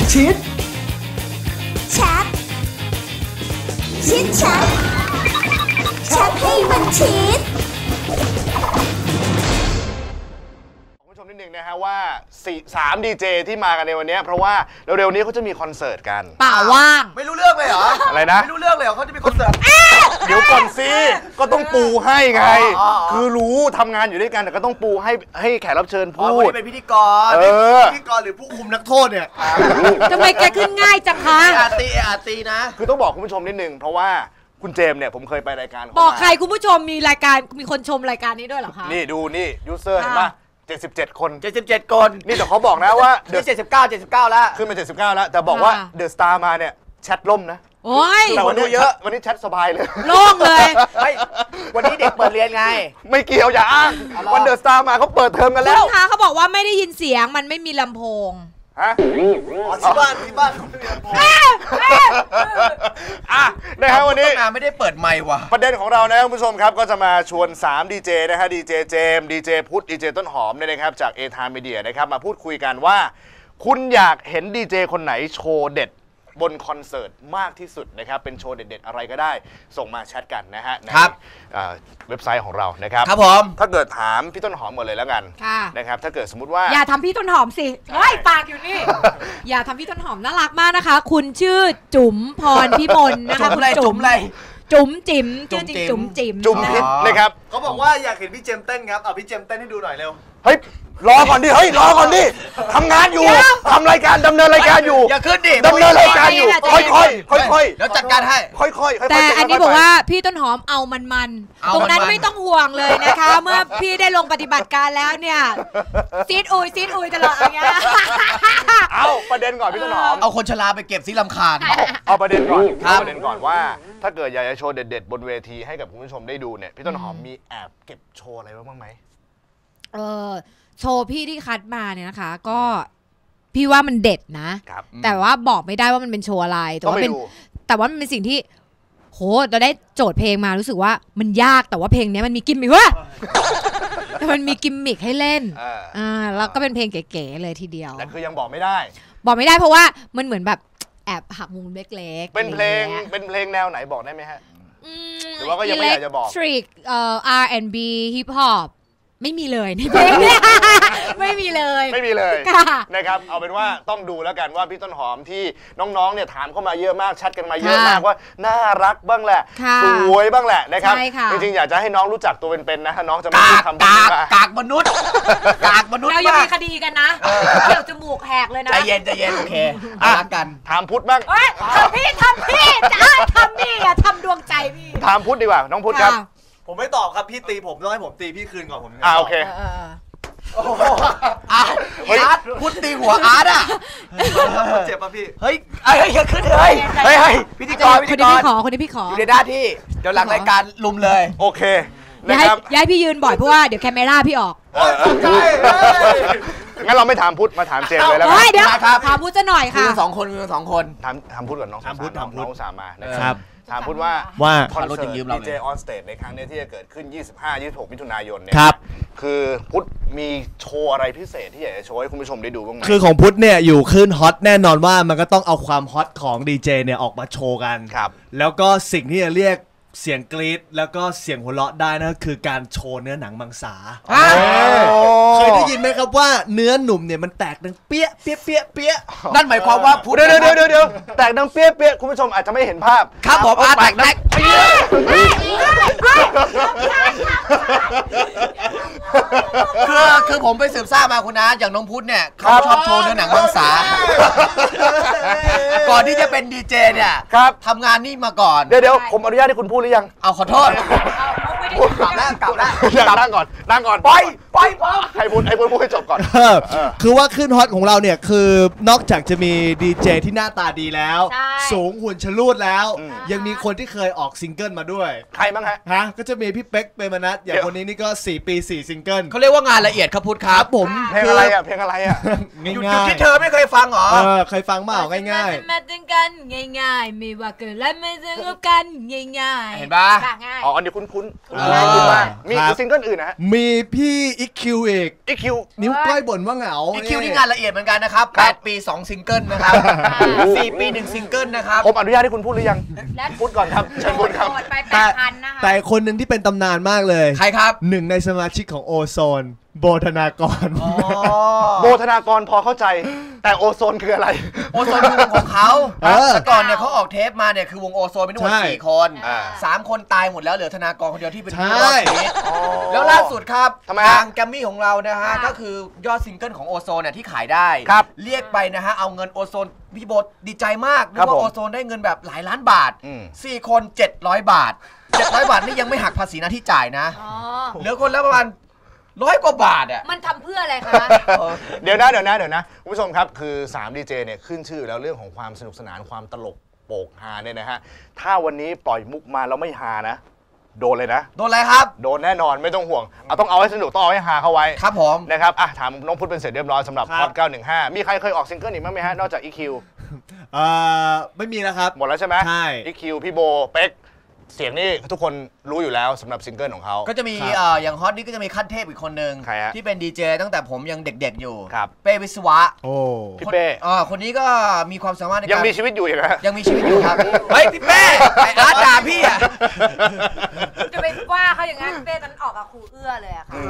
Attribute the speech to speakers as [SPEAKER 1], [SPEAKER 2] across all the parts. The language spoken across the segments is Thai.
[SPEAKER 1] ชิด
[SPEAKER 2] แชทชิดแชทแชทให้มันชิด
[SPEAKER 3] นิดนึงนะฮะว่า3 ดีเจที่มากันในวันนี้เพราะว่าเร็วๆนี้เขาจะมีคอนเสิร์ตกัน
[SPEAKER 4] ป่าว่าง
[SPEAKER 5] ไม่รู้เรื่องเลยเหรอ
[SPEAKER 3] อะไรนะ
[SPEAKER 5] ไม่รู้เรื่องเลยเหรอเขาจะมีคอนเสิร์ต
[SPEAKER 3] เดี๋ยวก่อนสิก็ต้องปูให้ไงคือรู้ทำงานอยู่ด้วยกันแต่ก็ต้องปูให้แขกรับเชิญพูด
[SPEAKER 5] วันนี้เป็นพิธีกรพิธีกรหรือผู้คุมนักโทษเนี่ย
[SPEAKER 4] ทำไมแกขึ้นง่ายจังคะ
[SPEAKER 5] อาตีนะ
[SPEAKER 3] คือต้องบอกคุณผู้ชมนิดนึงเพราะว่าคุณเจมเนี่ยผมเคยไปรายการ
[SPEAKER 4] บอกใครคุณผู้ชมมีรายการมีคนชมรายการนี้ด้วยเหรอคะ
[SPEAKER 3] นี่ดูนี่ยูเซอร์เห็นปะ77 คน
[SPEAKER 5] 77 คน
[SPEAKER 3] นี่แต่เขาบอกนะว่า
[SPEAKER 5] นี่79แล้ว
[SPEAKER 3] ขึ้นมา79แล้วแต่บอกว่าเดอะสตาร์มาเนี่ยแชทล่มนะ
[SPEAKER 4] โอ้ย
[SPEAKER 3] แต่วันนี้เยอะวันนี้แชทสบายเลย
[SPEAKER 4] โล่งเลย
[SPEAKER 5] ไม่วันนี้เด็กเปิดเรียนไง
[SPEAKER 3] ไม่เกี่ยวอย่าอ้างวันเดอะสตาร์มาเขาเปิดเทอมกันแล้ว
[SPEAKER 4] คุณคะเขาบอกว่าไม่ได้ยินเสียงมันไม่มีลำโพง
[SPEAKER 3] ฮะ
[SPEAKER 5] ที่บ้านเขาไม่มีลำโพง
[SPEAKER 3] นะครับวันนี้
[SPEAKER 5] ไม่ได้เปิดไมค์ว่ะ
[SPEAKER 3] ประเด็นของเรานะคุณผู้ชมครับก็จะมาชวน3 ดีเจนะฮะดีเจเจมดีเจพุทธดีเจต้นหอมเนี่ยนะครับจากเอทามีเดียนะครับมาพูดคุยกันว่าคุณอยากเห็นดีเจคนไหนโชว์เด็ดบนคอนเสิร์ตมากที่สุดนะครับเป็นโชว์เด็ดๆอะไรก็ได้ส่งมาแชทกันนะฮะในเว็บไซต์ของเรานะครับ
[SPEAKER 5] ครับผม
[SPEAKER 3] ถ้าเกิดถามพี่ต้นหอมหมดเลยแล้วกันนะครับถ้าเกิดสมมติว่า
[SPEAKER 4] อย่าทำพี่ต้นหอมสิไว้ปากอยู่นี่อย่าทำพี่ต้นหอมน่ารักมากนะคะคุณชื่อจุ๋มพรพิมลนะคะ
[SPEAKER 5] คุณจุ๋มอะไร
[SPEAKER 4] จุ๋มจิ๋มชื่อจริงจุ๋มจิ๋ม
[SPEAKER 3] จุ๋มพิษนะครับ
[SPEAKER 5] เขาบอกว่าอยากเห็นพี่เจมเต้นครับเอาพี่เจมเต้นให้ดูหน่อยเร็ว
[SPEAKER 3] เฮ้ยรอก่อนดิรอก่อนดิทำงานอยู่ทำรายการดำเนินรายการอยู่
[SPEAKER 5] อย่าขึ้นดิ
[SPEAKER 3] ดำเนินรายการอยู่ค่อย
[SPEAKER 5] แล้วจัดการให้
[SPEAKER 3] ค่อย
[SPEAKER 4] แต่อันนี้บอกว่าพี่ต้นหอมเอามันตรงนั้นไม่ต้องห่วงเลยนะคะเมื่อพี่ได้ลงปฏิบัติการแล้วเนี่ยซีดอุยตลอดอย่างเงี้ย
[SPEAKER 3] เอาประเด็นก่อนพี่ต้นหอม
[SPEAKER 5] เอาคนชราไปเก็บซิลำคาญ
[SPEAKER 3] เอาประเด็นก่อนว่าถ้าเกิดอยากจะโชว์เด็ดๆบนเวทีให้กับคุณผู้ชมได้ดูเนี่ยพี่ต้นหอมมีแอบเก็บโชว์อะไรบ้างไหม
[SPEAKER 4] โชว์พี่ที่คัดมาเนี่ยนะคะก็พี่ว่ามันเด็ดนะแต่ว่าบอกไม่ได้ว่ามันเป็นโชว์อะไรแต่ว่ามันเป็นสิ่งที่โหเราได้โจทย์เพลงมารู้สึกว่ามันยากแต่ว่าเพลงนี้มันมีกิมมิคแต่มันมีกิมมิคให้เล่นแล้วก็เป็นเพลงเก๋ๆเลยทีเดียว
[SPEAKER 3] แต่คือยังบอกไม่ได้
[SPEAKER 4] เพราะว่ามันเหมือนแบบแอบหักมุมเล็กๆ
[SPEAKER 3] เป็นเพลงแนวไหนบอกได้ไหมฮะหรือว่าก็ยังไม่อยากจะบอก
[SPEAKER 4] R&B Hip Hopไม่มีเลยในเพลงนี้ไม่มีเลย
[SPEAKER 3] นะครับเอาเป็นว่าต้องดูแล้วกันว่าพี่ต้นหอมที่น้องๆเนี่ยถามเข้ามาเยอะมากแชทกันมาเยอะมากว่าน่ารักบ้างแหละสวยบ้างแหละนะครับจริงๆอยากจะให้น้องรู้จักตัวเป็นๆนะน้องจะไม่พูดคำพูด
[SPEAKER 5] กากมนุษย์
[SPEAKER 4] เรายังมีคดีกันนะเกี่ยวจมูกแหกเลยนะ
[SPEAKER 5] ใจเย็นโอเครักกัน
[SPEAKER 3] ถามพุทธบ้าง
[SPEAKER 4] ทำพี่จะทำนี่ทำดวงใจพี่
[SPEAKER 3] ถามพุทธดีกว่าน้องพุทธครับ
[SPEAKER 5] ผมไม่ตอบครับพี่ตีผมต้องให้ผมตีพี่คืนก่อนผม
[SPEAKER 3] โอเค
[SPEAKER 5] อาร์ตพูดตีหัวอาร์ตอ่ะเจ็บป่ะพี่เฮ้ยอย่าขึ้นเลยพิธีกร
[SPEAKER 4] คนนี้พี่ขอ
[SPEAKER 5] อยู่ในหน้าที่เดี๋ยวหลังรายการลุมเลย
[SPEAKER 3] โอเค
[SPEAKER 4] นะครับย้ายพี่ยืนบ่อยเพราะว่าเดี๋ยวแคมเมราพี่ออก
[SPEAKER 3] งั้นเราไม่ถามพุทธมาถามเจมเลยแล้ว
[SPEAKER 4] เดี๋ยวถามพุทธจะหน่อยค่ะ
[SPEAKER 5] มี2 คน
[SPEAKER 3] ถามพุทธก่อนน้องน้องสามมา
[SPEAKER 5] นะครับ
[SPEAKER 3] ถามพุทธว่าคอนเสิร์ตดีเจออนสเตจในครั้งนี้ที่จะเกิดขึ้น 25-26 มิถุนายนเนี่ยคือพุทธมีโชว์อะไรพิเศษที่อยากจะโชว์ให้คุณผู้ชมได้ดูบ้างไหม
[SPEAKER 1] คือของพุทธเนี่ยอยู่ขึ้นฮอตแน่นอนว่ามันก็ต้องเอาความฮอตของดีเจเนี่ยออกมาโชว์กันแล้วก็สิ่งที่จะเรียกเสียงกรี๊ดแล้วก็เสียงหัวเราะได้นะคือการโชว์เนื้อหนังมังสาเคยได้ยินไหมครับว่าเนื้อหนุ่มเนี่ยมันแตกดังเปี้ย
[SPEAKER 5] นั่นหมายความว่า
[SPEAKER 3] เดี๋ยวแตกดังเปี้ยคุณผู้ชมอาจจะไม่เห็นภาพ
[SPEAKER 5] ครับผมแตกคือผมไปสืบทราบมาคุณนะอย่างน้องพุทธเนี่ยเขาชอบโชว์เนื้อหนังมังสาก่อนที่จะเป็นดีเจเนี่ยทำงานนี่มาก่อน
[SPEAKER 3] เดี๋ยวผมอนุญาตให้คุณพูดหรือยัง
[SPEAKER 5] เอาขอโทษกลับแล้ว
[SPEAKER 3] นั่งก่อนปล่อยให้พูดให้จบก่อน
[SPEAKER 1] คือว่าขึ้นฮอตของเราเนี่ยคือนอกจากจะมีดีเจที่หน้าตาดีแล้วสูงหุ่นชลูดแล้วยังมีคนที่เคยออกซิงเกิลมาด้วย
[SPEAKER 3] ใครบ้าง
[SPEAKER 1] ฮะก็จะมีพี่เป๊กเปรมนัสอย่างคนนี้นี่ก็4 ปี 4 ซิงเกิล
[SPEAKER 5] เขาเรียกว่างานละเอียดครับพุทธครับ
[SPEAKER 1] ผม
[SPEAKER 3] เพลงอะไรอ่ะ
[SPEAKER 5] ง่ายๆที่เธอไม่เคยฟังหรอ
[SPEAKER 1] เคยฟังเปล่าง่าย
[SPEAKER 4] ๆมาตึงกันง่ายๆไม่ว่าเกิดอะไรไม่สงบกันง่ายๆ
[SPEAKER 5] เห็นปะ
[SPEAKER 3] อ๋ออันนี้คุ้นมีซิงเกิลอื่นนะฮะ
[SPEAKER 1] มีพี่อีคิวอีกนิ้วก้อยบ่นว่าเหงา
[SPEAKER 5] อีคิวนี่งานละเอียดเหมือนกันนะครับ8 ปี2ซิงเกิลนะครับ4 ปี1ซิงเกิลนะครับ
[SPEAKER 3] ผมอนุญาตให้คุณพูดหรือยังพูดก่อนครับเชิญพูดครับ
[SPEAKER 1] แต่คนหนึ่งที่เป็นตำนานมากเลย
[SPEAKER 5] ใครครับ
[SPEAKER 1] หนึ่งในสมาชิกของโอโซนโบธนากร
[SPEAKER 3] โบธนากรพอเข้าใจแต่โอโซนคืออะไร
[SPEAKER 5] โอโซนคือวงของเขาแต่ก่อนเนี่ยเขาออกเทปมาเนี่ยคือวงโอโซนเป็นทั้งหมด4 คน3 คนตายหมดแล้วเหลือธนากรคนเดียวที่เป็นผู้รอดชีวิตแล้วล่าสุดครับทางแกรมมี่ของเรานะฮะก็คือยอดซิงเกิลของโอโซนเนี่ยที่ขายได้เรียกไปนะฮะเอาเงินโอโซนพี่โบดีใจมากเพราะว่าโอโซนได้เงินแบบหลายล้านบาท4 คน700 บาท700 บาทนี่ยังไม่หักภาษีหน้าที่จ่ายนะเหลือคนละประมาณ100 กว่าบาทอ่ะ
[SPEAKER 4] มันทำเพื่ออะไรคะ
[SPEAKER 3] เดี๋ยวนะคุณผู้ชมครับคือ3ดีเจเนี่ยขึ้นชื่อแล้วเรื่องของความสนุกสนานความตลกโปกฮาเนี่ยนะฮะถ้าวันนี้ปล่อยมุกมาแล้วไม่ฮานะโดนเลยนะ
[SPEAKER 5] โดนอะไรครับ
[SPEAKER 3] โดนแน่นอนไม่ต้องห่วงต้องเอาให้สนุกต้องเอาให้ฮาเข้าไว้
[SPEAKER 5] ครับผม
[SPEAKER 3] นะครับถามน้องพุทธเป็นเสร็จเรียบร้อยสำหรับฮอต915มีใครเคยออกซิงเกิลอีกมั้ยมั้ยฮะนอกจาก EQ
[SPEAKER 1] ไม่มีแล้วครับ
[SPEAKER 3] หมดแล้วใช่ไหม
[SPEAKER 1] ใช่
[SPEAKER 3] EQ พี่โบเป็กเสียงนี่ทุกคนรู้อยู่แล้วสำหรับซิงเกิลของเขา
[SPEAKER 5] ก็จะมีอย่างฮอตนี่ก็จะมีขั้นเทพอีกคนนึงที่เป็นดีเจตั้งแต่ผมยังเด็กๆอยู่เป้วิศวะ
[SPEAKER 1] โอ้
[SPEAKER 3] พี่เป้
[SPEAKER 5] คนนี้ก็มีความสามารถในการ
[SPEAKER 3] ยังมีชีวิตอยู่อย่างไร
[SPEAKER 5] ยังมีชีวิตอยู่ครับเฮ้ยพี่เป้ไอ้อาร์ตด่าพี่อ่ะ
[SPEAKER 4] จะไปว่าเขาอย่างนั้นเป้ตอนออกกับครูเอื้อเลยอะค่ะ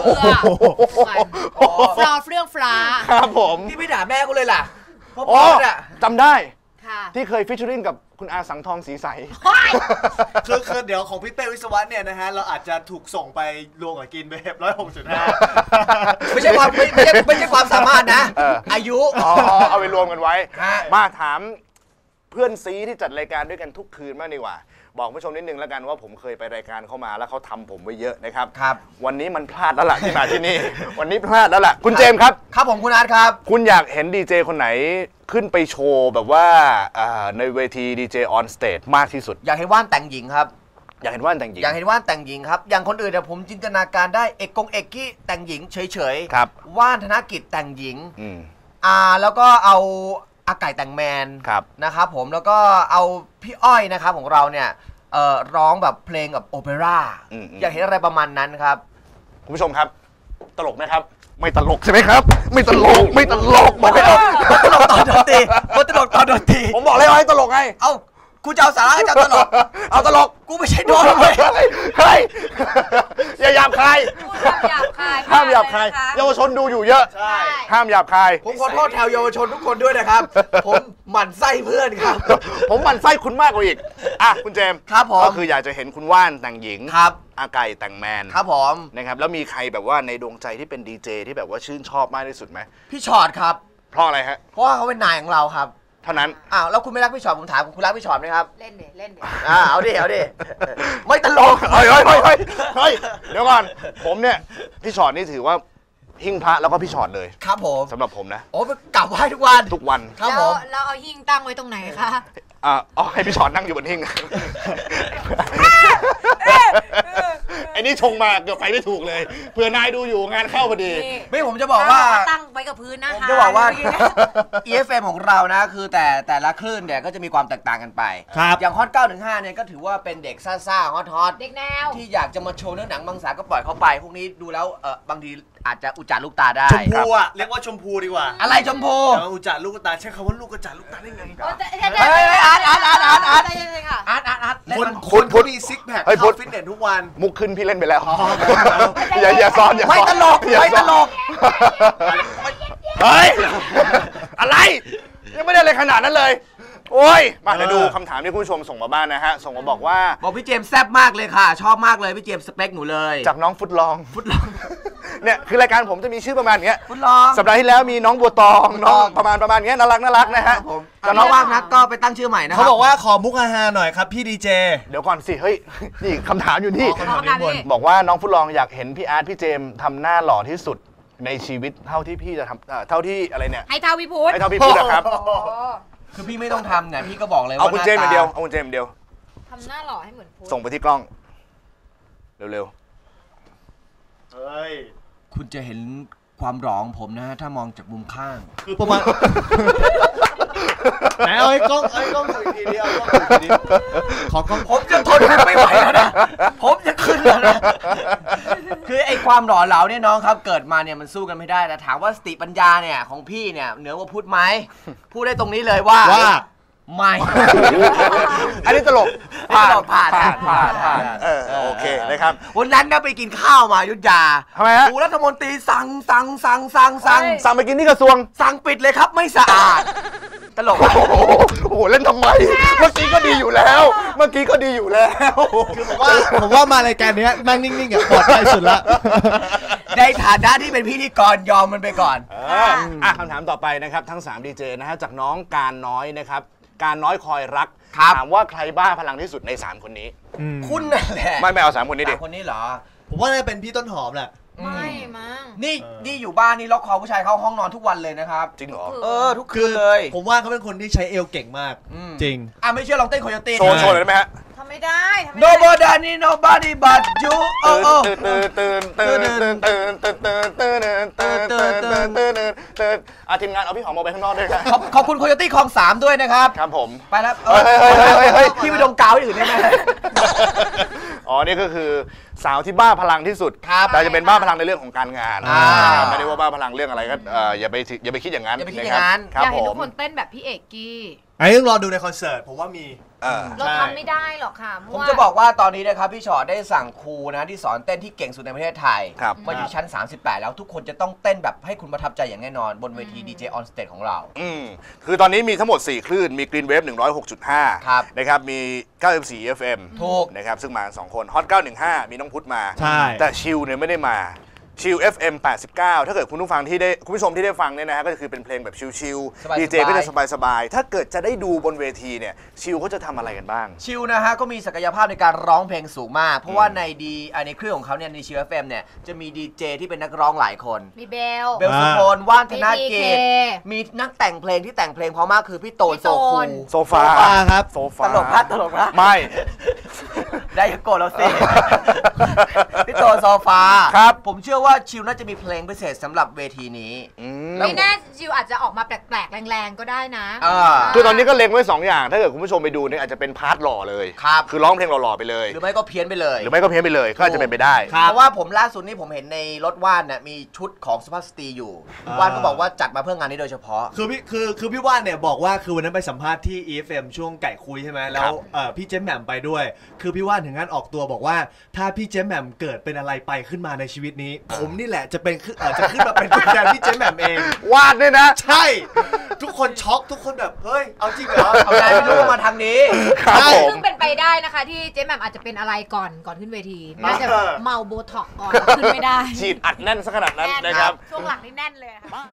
[SPEAKER 4] ฟลาเรื่องฟลา
[SPEAKER 3] ครับผม
[SPEAKER 5] พี่ไม่ด่าแม่กูเลยล่ะ
[SPEAKER 3] เพราะจำได้ที่เคยฟิชเชอริงกับคุณอาสังทองสีใส
[SPEAKER 1] คือเดี๋ยวของพี่เป้วิศวะเนี่ยนะฮะเราอาจจะถูกส่งไปรวมกับกินเบฟ106.5
[SPEAKER 5] ไม่ใช่ความสามารถนะอายุ
[SPEAKER 3] เอาไปรวมกันไว้มาถามเพื่อนซีที่จัดรายการด้วยกันทุกคืนมากดีกว่าบอกผู้ชมนิดนึงแล้วกันว่าผมเคยไปรายการเข้ามาแล้วเขาทำผมไว้เยอะนะครับวันนี้มันพลาดแล้วล่ะที่มาที่นี่วันนี้พลาดแล้วล่ะคุณเจมส์ครับ
[SPEAKER 5] ครับผมคุณอาร์ตครับ
[SPEAKER 3] คุณอยากเห็นดีเจคนไหนขึ้นไปโชว์แบบว่าในเวทีดีเจออนสเตจมากที่สุด
[SPEAKER 5] อยากเห็นว่านแต่งหญิงครับ
[SPEAKER 3] อยากเห็นว่านแต่งหญิง
[SPEAKER 5] อยากเห็นว่านแต่งหญิงครับอย่างคนอื่นเนี่ยผมจินตนาการได้เอกกี้แต่งหญิงเฉย
[SPEAKER 3] ๆครับ
[SPEAKER 5] ว่านธนกิจแต่งหญิงแล้วก็เอาอาไก่แต่งแมนนะครับผมแล้วก็เอาพี่อ้อยนะครับของเราเนี่ยร้องแบบเพลงแบบโอเปร่าอยากเห็นอะไรประมาณนั้นครับ
[SPEAKER 3] คุณผู้ชมครับตลกไหมครับไม่ตลกใช่ไหมครับไม่ตลกบอกให้
[SPEAKER 5] ตลกตอนดนตรีตลกตอนดนตรี
[SPEAKER 3] ผมบอกเลยว่าให้ตลกไง
[SPEAKER 5] เอ้ากูจะเอาสาระให้จะตลก
[SPEAKER 3] เอาตลก
[SPEAKER 5] กูไม่ใช่โดนเลย
[SPEAKER 3] เฮ้ยอย่าหยาบคายห้ามหยาบคายเยาวชนดูอยู่เยอะห้ามหยาบคาย
[SPEAKER 5] ผมขอโทษแถวเยาวชนทุกคนด้วยนะครับผมหมั่นไส้เพื่อนครับ
[SPEAKER 3] ผมหมั่นไส้คุณมากกว่าอีกคุณเจมส์
[SPEAKER 5] ครับผม
[SPEAKER 3] ก็คืออยากจะเห็นคุณว่านแต่งหญิง
[SPEAKER 5] ครับ
[SPEAKER 3] อาไก่แต่งแมน
[SPEAKER 5] ครับผม
[SPEAKER 3] นะครับแล้วมีใครแบบว่าในดวงใจที่เป็นดีเจที่แบบว่าชื่นชอบมากที่สุดไหม
[SPEAKER 5] พี่ชอตครับ
[SPEAKER 3] เพราะอะไรฮะ
[SPEAKER 5] เพราะว่าเขาเป็นนายของเราครับ
[SPEAKER 3] เท่านั้น
[SPEAKER 5] แล้วคุณไม่รักพี่ชอตผมถามคุณรักพี่ชอตไหมครับ
[SPEAKER 4] เล่นดิ
[SPEAKER 5] เอาดิไม่ตลก
[SPEAKER 3] เฮ้ยเดี๋ยวก่อนผมเนี่ยพี่ชอตนี่ถือว่าหิ้งพระแล้วก็พี่ชอตเลย
[SPEAKER 5] ครับผม
[SPEAKER 3] สำหรับผมนะ
[SPEAKER 5] โอ้กลับไหว้ทุกวัน
[SPEAKER 3] ครับ
[SPEAKER 4] ผมแล้วเอาหิ้งตั้งไว้ตรงไหนคะ
[SPEAKER 3] ให้พี่ชอตนั่งอยู่บนหิ้งไอ้นี่ชงมาเกือบไปไม่ถูกเลยเผื่อนายดูอยู่งานเข้าพอดี
[SPEAKER 5] ไม่ผมจะบอกว่า
[SPEAKER 4] ตั้งไว้กับพื้นนะคะ
[SPEAKER 5] จะบอกว่า EFM ของเรานะคือแต่ละคลื่นเนี่ยก็จะมีความแตกต่างกันไปอย่างฮอต915เนี่ยก็ถือว่าเป็นเด็กซ่าฮอต
[SPEAKER 4] เด็กแนว
[SPEAKER 5] ที่อยากจะมาโชว์เนื้อหนังบางสาก็ปล่อยเขาไปพวกนี้ดูแล้วบางทีอาจจะอุจจาลูกตาได้
[SPEAKER 1] ชมพูอ่ะเรียกว่าชมพูดีกว่า
[SPEAKER 5] อะไรชมพู
[SPEAKER 1] อุจจาลูกตาใช้คำว่าลูกกระจาลูกตาได้ไง
[SPEAKER 5] อาร์ต
[SPEAKER 1] คนมีซิกแพคเข้าฟิตเนสทุกวัน
[SPEAKER 3] มุกขึ้นพี่เล่นไปแล้วอย่าซ้อน
[SPEAKER 5] ไม่ตลก
[SPEAKER 3] เฮ้ยอะไรยังไม่ได้อะไรขนาดนั้นเลยโอ้ยมาเดี๋ยวดูคำถามที่คุณผู้ชมส่งมาบ้านนะฮะส่งมาบอก
[SPEAKER 5] พี่เจมส์แซ่บมากเลยค่ะชอบมากเลยพี่เจมส์สเปคหนูเลย
[SPEAKER 3] จากน้องฟุตลองเนี่ยคือรายการผมจะมีชื่อประมาณนี้
[SPEAKER 5] ฟุตลอง
[SPEAKER 3] สัปดาห์ที่แล้วมีน้องบัวตองน้องประมาณนี้น่ารักนะฮะ
[SPEAKER 5] แต่น้องว่างนักก็ไปตั้งชื่อใหม่นะ
[SPEAKER 1] เขาบอกว่าขอมุกฮาหน่อยครับพี่ดีเจ
[SPEAKER 3] เดี๋ยวก่อนสิเฮ้ยนี่คำถามอยู่นี่บอกว่าน้องฟุตลองอยากเห็นพี่อาร์ตพี่เจมทำหน้าหล่อที่สุดในชีวิตเท่าที่พี่จะทำเท่าที่อะไรเนี่ย
[SPEAKER 4] ให้เท่าพี่พุทธ
[SPEAKER 3] นะครับ
[SPEAKER 5] คือพี่ไม่ต้องทำเนี่ยพี่ก็บอกเลยว่า
[SPEAKER 3] เอาคุณเจมส์เดียว
[SPEAKER 4] ทำหน้าหล่อให้เหมือนพุทธ
[SPEAKER 3] ส่งไปที่กล้องเร็ว
[SPEAKER 1] เฮ้ย
[SPEAKER 5] คุณจะเห็นความหล่อของผมนะฮะถ้ามองจากมุมข้าง
[SPEAKER 1] คือประมาณไหนเอาไอ้กล้องดูอีกทีเดียวขอกล้อง
[SPEAKER 5] ผมจะทนไม่ไหวแล้วนะผมจะขึ้นแล้วนะคือไอ้ความหล่อเหลาเนี่ยน้องครับเกิดมาเนี่ยมันสู้กันไม่ได้แต่ถามว่าสติปัญญาเนี่ยของพี่เนี่ยเหนือกว่าพูดไหมพูดได้ตรงนี้เลยว่าไม่
[SPEAKER 3] อันนี้ตลก
[SPEAKER 5] ผ่าน
[SPEAKER 3] โอเคนะครับ
[SPEAKER 5] วันนั้นนะไปกินข้าวมายุทธยา
[SPEAKER 3] ทำไมฮะ
[SPEAKER 5] ผู้รัฐมนตรีสั่ง
[SPEAKER 3] ไปกินที่กระทรวง
[SPEAKER 5] สั่งปิดเลยครับไม่สะอาดตลก
[SPEAKER 3] โอ้โหเล่นทำไมเมื่อกี้ก็ดีอยู่แล้วคือ
[SPEAKER 1] ผมว่ามารายการนี้นั่งนิ่งๆอ่ะปลอดภัยสุดละ
[SPEAKER 5] ในฐานะที่เป็นพิธีกรยอมมันไปก่อน
[SPEAKER 3] คำถามต่อไปนะครับทั้ง3ดีเจนะฮะจากน้องการน้อยนะครับการน้อยคอยรักถามว่าใครบ้าพลังที่สุดใน3คนนี้
[SPEAKER 5] คุณนั่นแหละ
[SPEAKER 3] ไม่เอา3คนนี้ดิ
[SPEAKER 5] 3คนนี้เหรอ
[SPEAKER 1] ผมว่าน่าจะเป็นพี่ต้นหอมแหละ
[SPEAKER 4] ไม่มั้ง
[SPEAKER 5] นี่อยู่บ้านนี่ล็อกคอผู้ชายเข้าห้องนอนทุกวันเลยนะครับ
[SPEAKER 3] จริงเหรอ
[SPEAKER 5] ทุกคืนเลย
[SPEAKER 1] ผมว่าเขาเป็นคนที่ใช้เอวเก่งมากจริง
[SPEAKER 5] ไม่เชื่อลองเต้นโคโยตี้
[SPEAKER 3] โชว์เลยได้ไหมฮะ
[SPEAKER 4] ทำไม่ได้
[SPEAKER 5] nobody but you
[SPEAKER 3] ทีมงานเอาพี่หอมออกไปข้างนอกด้วยครับ
[SPEAKER 5] ขอบคุณโคโยตี้คลอง3ด้วยนะครับ
[SPEAKER 3] ครับผม
[SPEAKER 5] ไปแล้วพี่ไปดมกาวที่อื่นได้ไหม
[SPEAKER 3] นี่ก็คือสาวที่บ้าพลังที่สุดแต่จะเป็นบ้าพลังในเรื่องของการงานไม่ได้ว่าบ้าพลังเรื่องอะไรก็อย่าไปคิดอย่างนั้น
[SPEAKER 4] อยากเห็นทุกคนเต้นแบบพี่เอกกี้
[SPEAKER 1] ต้องรอดูในคอนเสิร์ตผมว่ามี
[SPEAKER 4] เราทำไม่ได้หรอกค่ะ
[SPEAKER 5] ผมจะบอกว่าตอนนี้นะครับพี่ชอตได้สั่งครูนะที่สอนเต้นที่เก่งสุดในประเทศไทยมาอยู่ชั้น38แล้วทุกคนจะต้องเต้นแบบให้คุณประทับใจอย่างแน่นอนบนเวที DJ on stage ของเรา
[SPEAKER 3] คือตอนนี้มีทั้งหมด4คลื่นมี Green Wave 106.5นะครับมี94 FM
[SPEAKER 5] ถูก
[SPEAKER 3] นะครับซึ่งมา2คนฮอต915มีน้องพุทธมาแต่ชิลเนี่ยไม่ได้มาชิล FM 89ถ้าเกิดคุณผู้ชมที่ได้ฟังเนี่ยนะฮะก็คือเป็นเพลงแบบชิลๆดีเจก็จะสบายๆถ้าเกิดจะได้ดูบนเวทีเนี่ยชิลเขาจะทำอะไรกันบ้าง
[SPEAKER 5] ชิลนะฮะก็มีศักยภาพในการร้องเพลงสูงมากเพราะว่าในเครื่องของเขาเนี่ยในชิล FM เนี่ยจะมีดีเจที่เป็นนักร้องหลายคน
[SPEAKER 4] มีเบล
[SPEAKER 5] สุพลว่านธนเกตมีนักแต่งเพลงที่แต่งเพลงเพราะมากคือพี่โตน
[SPEAKER 3] โซฟา
[SPEAKER 1] ครับ
[SPEAKER 3] โซฟา
[SPEAKER 5] ตลกนะ
[SPEAKER 3] ไม่
[SPEAKER 5] ได้โกรธเราสิพี่โตนโซฟา
[SPEAKER 3] ครับ
[SPEAKER 5] ผมเชื่อว่าชิลน่าจะมีเพลงพิเศษสำหรับเวทีนี้
[SPEAKER 4] ไม่แน่ชิลอาจจะออกมาแปลกๆแรงๆก็ได้นะ
[SPEAKER 3] คือตอนนี้ก็เล็งไว้2อย่างถ้าเกิดคุณผู้ชมไปดูเนี่ยอาจจะเป็นพาร์ทหล่อเลยคือร้องเพลงหล่อๆไปเลย
[SPEAKER 5] หรือไม่ก็เพี้ยนไปเลย
[SPEAKER 3] ก็อาจจะเป็นไปได้
[SPEAKER 5] เพราะว่าผมล่าสุดนี่ผมเห็นในรถว่านเนี่ยมีชุดของสุภาพสตรีอยู่ว่านก็บอกว่าจัดมาเพื่องานนี้โดยเฉพาะ
[SPEAKER 1] คือพี่ว่านเนี่ยบอกว่าคือวันนั้นไปสัมภาษณ์ที่ EFM ช่วงไก่คุยใช่ไหมแล้วพี่เจมแหม่มไปด้วยคือพี่ว่านถึงขั้นออกตัวบอกว่าถ้าพี่เจมแหม่มเกิดเป็นอะไรไปขึ้นมาในชีวิตนี้ผมนี่แหละจะขึ้นมาเป็นตัวแทนพี่เจมแหม่มเอง
[SPEAKER 3] วาดเนี่ยนะ
[SPEAKER 1] ใช่ทุกคนช็อกทุกคนแบบเฮ้ยเอาจริงเหรอ
[SPEAKER 5] เอาใจไม่รู้มาทางนี้
[SPEAKER 4] ซึ่งเป็นไปได้นะคะที่เจมแหม่มอาจจะเป็นอะไรก่อนขึ้นเวทีน่าจะเมาโบท็อกก่อนขึ้นไม่ได้
[SPEAKER 3] ฉีดอัดแน่นซะขนาดนั้นนะครับ
[SPEAKER 4] ช่วงหลังนี่แน่นเลยค่ะ